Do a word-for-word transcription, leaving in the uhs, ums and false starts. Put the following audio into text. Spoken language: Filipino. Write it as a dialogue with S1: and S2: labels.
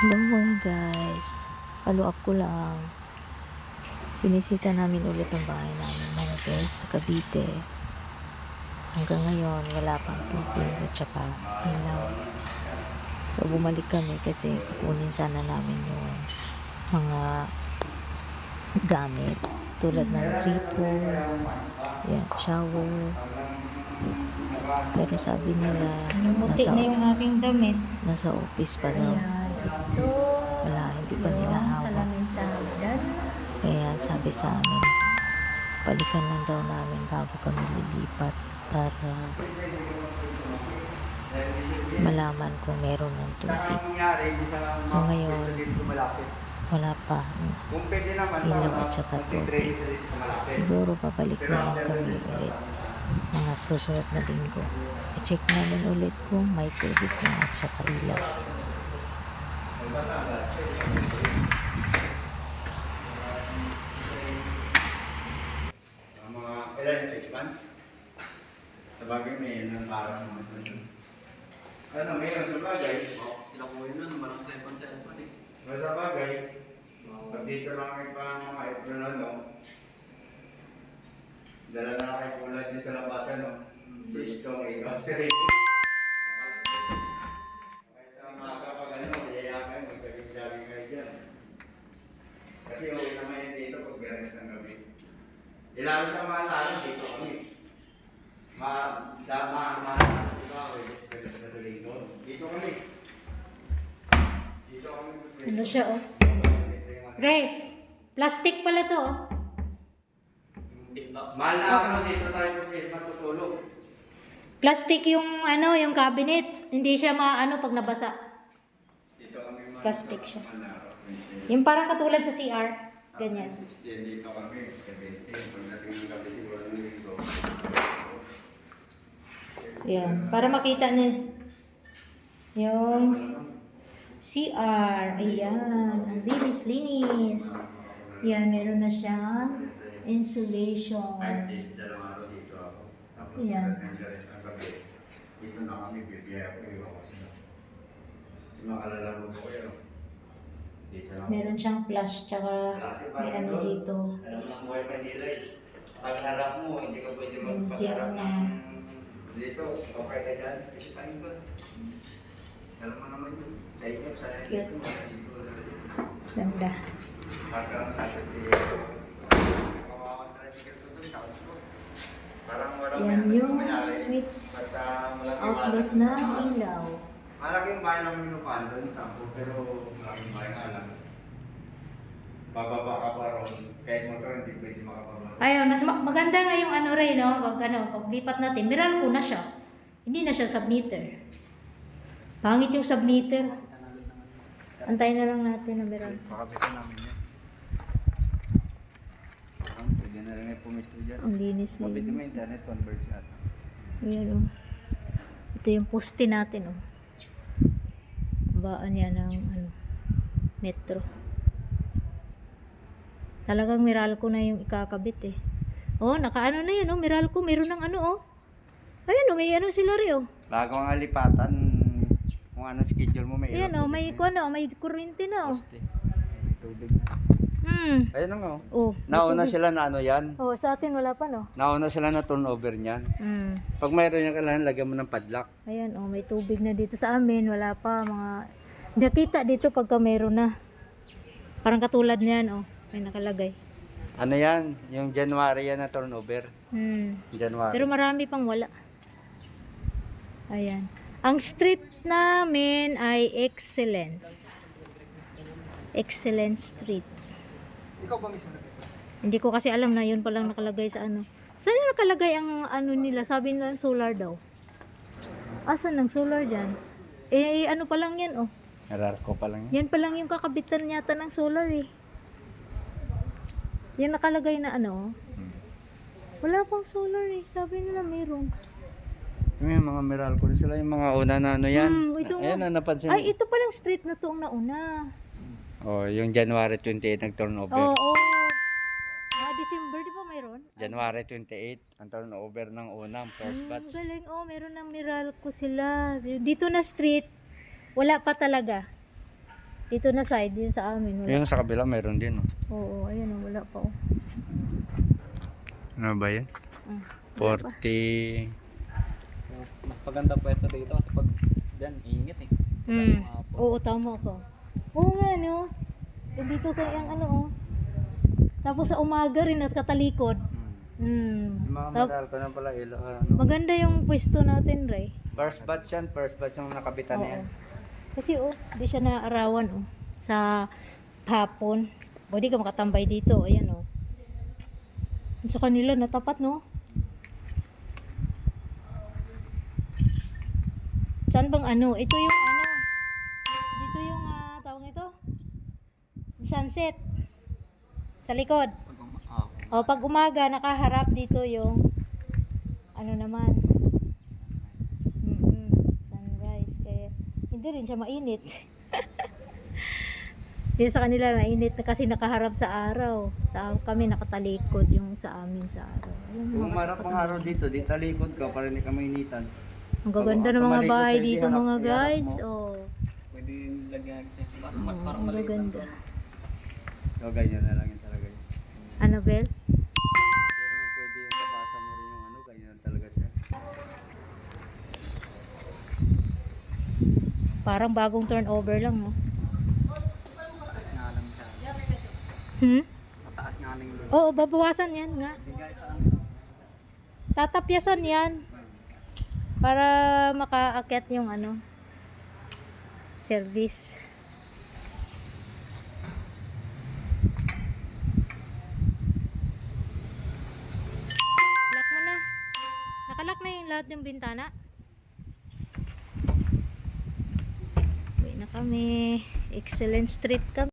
S1: Hello mga guys, follow up ko lang. Pinisita namin ulit ang bahay namin mga guys sa Cavite. Hanggang ngayon wala pang tubig at saka ilaw. So, bumalik kami kasi kukunin sana namin yung mga gamit tulad ng gripo, yan, shower. Pero sabi nila
S2: Namuti
S1: nasa,
S2: na yung aking damit.
S1: nasa office pa daw.
S2: Ito.
S1: Wala, hindi pa nila
S2: Yung
S1: hawak.
S2: salamin sa hagdan.
S1: Kaya sabi sa amin, balikan lang daw namin bago kami lilipat para malaman kung meron ng tubig. So ngayon, wala pa ilaw at saka tubig. Siguro babalik na lang kami ulit mga susunod na linggo. I-check namin ulit kung may tubig na at saka ilaw.
S3: Mga ilan, six months? Sabagay may ilan parang mga ano, mayroon sa bagay.
S4: Sila po yun nun, marang seven-seven eh.
S3: Pero sa bagay, pag dito lang kami pa mga April na, no? Dala na kayo kulad din sa labasan, no? Si Stong, ikaw, si Ricky. Kaya sa umaga pag ano, mayaya kayo, magkaging-gaging kayo dyan. Kasi uwi naman yun dito pag beres ng gabi. Ilalo sa mga talang dito kami. Ma, da, ma, ma, ikaw, eh, pwede sa katuloy doon. Dito kami. Dito kami.
S2: Ano siya oh? Ray, plastic pala to oh.
S3: Mahal na ako dito tayo matutulog.
S2: Plastic yung ano, yung cabinet. Hindi siya maano pag nabasa.
S3: Dito kami mahal.
S2: Plastic siya.
S3: Mahal na araw.
S2: Yung parang katulad sa C R. Ganyan.
S3: Dito kami, seventeen. Pagdating ng gabi siguro ng linggo.
S2: Yan. Para makita na yung C R. Ayan. Ang linis-linis. Yan. Meron na siyang insulation.
S3: Five days, dalawang araw dito ako. Tapos
S2: Yan.
S3: pagdating ng rest ng gabi, dito na kami, bibiyaya ko iwan ko sila. Kasi makalalaro ko kayo. Dito na ako.
S2: Meron siyang flash tsaka may ano dito.
S3: Alam mo ang buhay Manila eh. Pag harap mo, hindi ka pwede
S2: Yung
S3: magpagharap
S2: zero na.
S3: ng dito. Okay ka dyan, kasi paano ba? Alam mo naman yun. Sa inyo, sa
S2: Cute.
S3: dito.
S2: Ganda.
S3: Parang sa akin, kawawan na rin siguro doon, tapos mo. Parang walang
S2: Yan
S3: may-
S2: yung
S3: mangyari.
S2: switch
S3: Basta malaking
S2: outlet
S3: bahay.
S2: na ilaw.
S3: Malaking bahay ng minupan doon, sampo, pero malaking bahay nga lang. Bababa ka pa ron, kahit motor hindi pwede makababa.
S2: Ayun, mas ma- maganda nga yung ano rin, no? Pag ano, paglipat natin, Meralco na siya. Hindi na siya submeter. Pangit yung submeter. Antayin na lang natin na Meralco.
S3: Pakabitan namin yan. Parang pwede na rin ay pumisto dyan.
S2: Ang linis
S3: Mabitin mo
S2: linis.
S3: internet, converge ata.
S2: Ayan, oh. Ito yung poste natin, oh. Baan yan ng ano, metro. Talagang Meralco na yung ikakabit eh. Oh, nakaano na yan, oh. Meralco, meron ng ano, oh. Ayun, oh, may ano sila rin, oh.
S3: Bago ang alipatan, kung ano schedule mo, may
S2: Ayan, oh, may kuno, may kuryente na, oh.
S3: poste. May tubig na.
S2: Hmm.
S3: Ayun na nga. oh.
S2: Oh.
S3: Nauna sila na ano yan.
S2: Oh, sa atin wala pa, no.
S3: Nauna sila na turnover niyan.
S2: Hmm.
S3: Pag mayroon yung kailangan, lagyan mo ng padlock.
S2: Ayan, oh, may tubig na dito sa amin, wala pa mga nakita dito pagka meron na. Parang katulad niyan, oh. May nakalagay.
S3: Ano yan? Yung January yan na turnover.
S2: Hmm.
S3: January.
S2: Pero marami pang wala. Ayan. Ang street namin ay Excellence. Excellence Street.
S3: Ikaw ba mismo?
S2: Hindi ko kasi alam na yun palang nakalagay sa ano. Saan yung nakalagay ang ano nila? Sabi nila solar daw. Asan ang solar dyan? Eh, ano pa lang yan, oh.
S3: Meralco pa lang yan.
S2: Yan pa lang yung kakabitan yata ng solar, eh. Yan nakalagay na ano. Wala pang solar, eh. Sabi nila meron.
S3: Yung mga Meralco na sila, yung mga una na ano yan.
S2: Hmm, ito nga.
S3: Ayan na, napansin.
S2: Ay, ito palang street na to ang nauna.
S3: Oh, yung January twenty-eight nag-turnover.
S2: Oo. Oh, oh. Ah, December, di ba mayroon?
S3: January twenty-eight, ang turnover ng unang first
S2: Hmm,
S3: batch.
S2: galing. Oh, meron ng Meralco sila. Dito na street, wala pa talaga. Dito na side, yun sa amin. Wala.
S3: Yung sa kabila mayroon din. Oh.
S2: Oo, ayun, oh, wala pa. Oh.
S3: Ano ba yan?
S2: Ah,
S3: forty.
S4: Mas maganda pwesto dito kasi pag dyan, init eh.
S2: Hmm. Oo, tama ka. Oo nga, no? Yung dito kayang ano, oh. Tapos sa umaga rin at katalikod. Hmm.
S3: Mga
S2: Tap-
S3: metal ko na pala ilo. Ano?
S2: Maganda yung pwesto natin, Ray.
S3: First batch yan. First batch yung nakabitan
S2: Oo.
S3: na yan.
S2: Kasi, oh, di siya naarawan, oh. Sa hapon. O, di ka makatambay dito. Ayan, oh. Sa kanila, natapat, no? Saan bang ano? Ito yung ano? Dito yung, ah, tawag ito? Sunset. Sa likod.
S4: Pag um, ah,
S2: O, pag umaga, nakaharap dito yung ano naman. Mm-mm, sunrise. Kaya, hindi rin siya mainit. Dito sa kanila, mainit na kasi nakaharap sa araw. Sa kami, nakatalikod yung sa amin sa araw. Ayun,
S3: Kung
S2: mga
S3: marap ang araw dito, di talikod ka para hindi ka mainitan.
S2: ang gaganda ng mga
S3: Tumalikod
S2: bahay
S3: sa
S2: dito,
S3: iharap-
S2: mga
S3: iharap
S2: guys.
S3: mo.
S2: Oh,
S4: pwede yung lagyan ng extension. Parang,
S2: Oo,
S4: parang
S2: ang
S4: maliit lang
S2: gaganda.
S4: to.
S3: So, ganyan na lang yun talaga yun.
S2: Annabelle?
S3: Hindi naman pwede yung tabasa mo rin yung ano, ganyan talaga siya.
S2: Parang bagong turnover lang, no?
S4: Mataas nga lang siya.
S2: Hmm?
S4: Mataas nga lang yung
S2: Oo, babawasan yan nga.
S4: bigay sa ano.
S2: Tatapyasan yan. Para makaakyat yung ano, service. Lock mo na. Nakalock na yung lahat ng bintana. Uwi na kami. Excellent Street kami.